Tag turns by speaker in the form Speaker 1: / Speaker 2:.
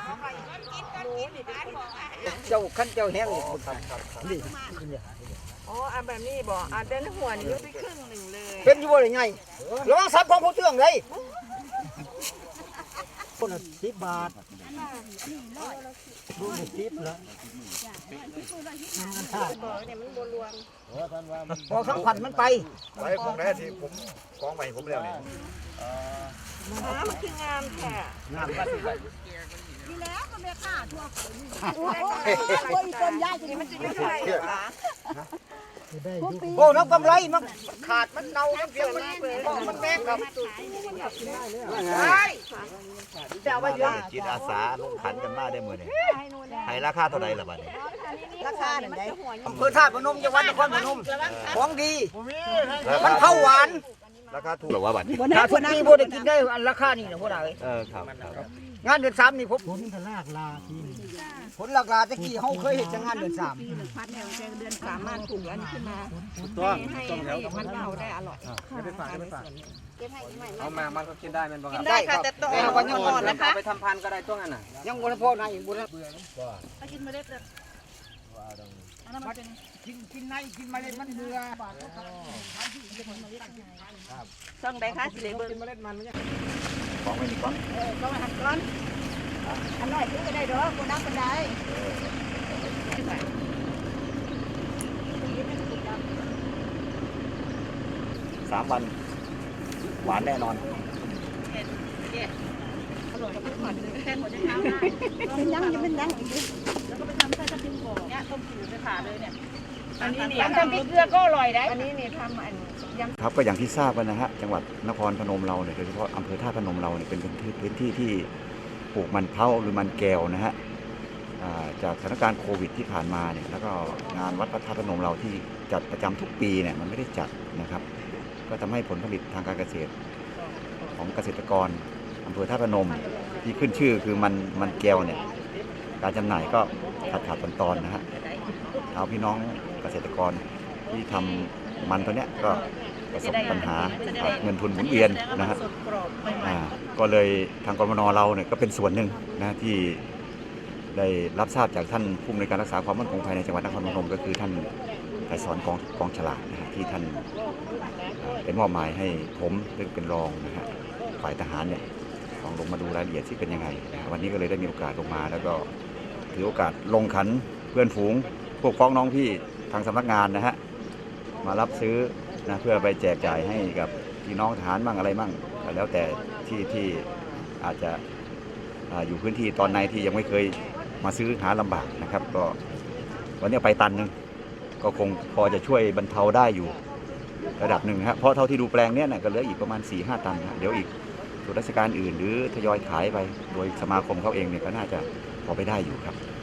Speaker 1: เจ้าขั้นเจ้าแห้งนี่นี่
Speaker 2: อ๋ออันแบบนี้บอกอันเดินหัวนี่ยุบไปครึ่งหนึ่งเลย
Speaker 1: เป็นอยู่บ่ได้ไงระวังซับของผู้เตื้องเลยคนละ10 บาทดู10ละ
Speaker 2: บอกเนี่ยมันบรวม
Speaker 1: พอสัมผัสมันไป
Speaker 3: ไว้พวกนี้ที่ผมกองใหม่ผมแล้วนี่
Speaker 2: มันคืองามแท้
Speaker 1: น้ำก็สิ
Speaker 4: นี่แล้วก็ไม่ฆ่าทั่วคน
Speaker 2: คนคนยากจริงมันจะไม่ใช่เหรอ
Speaker 1: โอ้น้ำกำไรมันขาดมันเน่ามันเสียมันแม่งครับใช่จะเอาไปเยอะ
Speaker 3: จิตอาสาลงขันกันมาได้มื้อนี้ให้ราคาเท่าใดล่ะบัดนี้
Speaker 2: ราคาเนี่ยมันจะหัว
Speaker 1: อำเภอท่าพนมจังหวัดนครพนมของดีมันเข้าหวาน
Speaker 3: ราคาถูกหรือว่าบัดนี้
Speaker 1: ถ้าทุกปีบ่ได้กินได้อันราคานี่นะพวกเรา
Speaker 3: ครับ
Speaker 1: งานเดือน3นี่ผมผลลากลาที่ผลลากลาตะกี้เฮาเคยเห็นจังงานเดือน3
Speaker 2: พัดแนวแจงเดือนสามารถปลูกอันขึ้นมาให้มันเน่าได้อร่อย
Speaker 5: เอามามันก็กินได้มันบ้าง
Speaker 2: กินได้ค่ะแต่ต้องเอาวันก่อนนะคะ
Speaker 5: ไปทำพันธุ์ก็ได้ตัวนั้นน่ะ
Speaker 1: ยังบ่พอนะอีกบ่นะ
Speaker 4: กินไม่ได้เลยอันนั้นมันเป็น
Speaker 1: กินในกินเมล็ดมันเบื่อ
Speaker 2: ช่องใดคะสิเลเบิร์
Speaker 3: ของไว้นี่ก่อน
Speaker 2: ก็มาหันก้อนอันน้อยซื้อก็ได้ดอกคนนักคนใด
Speaker 3: 3 วันหวานแน่นอน
Speaker 4: เป็นยังจะเป็นยังแล้วก็ไปทำใส่กระติ่งก่อนเนี่ยต้มผิวไปผ่าเลยเนี่ย
Speaker 2: อันนี้นี่ทำพริกเกลือก็อร่อยได้อันนี้นี่ทำอันยำ
Speaker 3: ครับก็อย่างที่ทราบกันนะฮะจังหวัดนครพนมเราเนี่ยโดยเฉพาะอำเภอท่าพนมเราเนี่ยเป็นพื้นที่ที่ปลูกมันเผาหรือมันแก้วนะฮะจากสถานการณ์โควิดที่ผ่านมาเนี่ยแล้วก็งานวัดพระธาตุพนมเราที่จัดประจำทุกปีเนี่ยมันไม่ได้จัดนะครับก็ทำให้ผลผลิตทางการเกษตรของเกษตรกรอำเภอท่าพนมที่ขึ้นชื่อคือมันแก้วเนี่ยการจำหน่ายก็ขาดตอนนะฮะเอาพี่น้องเกษตรกรที่ทำมันตัวเนี้ยก็ประสบปัญหาเงินทุนหมุนเวียนนะฮะก็เลยทางกรมนเราเนี่ยก็เป็นส่วนหนึ่งนะที่ได้รับทราบจากท่านผู้อำนวยการรักษาความมั่นคงภายในจังหวัดนครพนมก็คือท่านไกรสอนกองฉลาดนะฮะที่ท่านเป็นมอบหมายให้ผมซึ่งเป็นรองนะฮะฝ่ายทหารเนี่ยลงมาดูรายละเอียดที่เป็นยังไงนะวันนี้ก็เลยได้มีโอกาสลงมาแล้วก็ถือโอกาสลงขันเพื่อนฝูงพวกพ้องน้องพี่ทางสำนักงานนะฮะมารับซื้อนะเพื่อไปแจกจ่ายให้กับพี่น้องทหารบ้างอะไรบ้างก็แล้วแต่ที่อาจจะอยู่พื้นที่ตอนในที่ยังไม่เคยมาซื้อหาลำบากนะครับก็วันนี้ไปตันนึงก็คงพอจะช่วยบรรเทาได้อยู่ระดับหนึ่งครับเพราะเท่าที่ดูแปลงนี้ก็เหลืออีกประมาณ 4-5 ตันนะเดี๋ยวอีกส่วนราชการอื่นหรือทยอยขายไปโดยสมาคมเขาเองเนี่ยก็น่าจะพอไปได้อยู่ครับ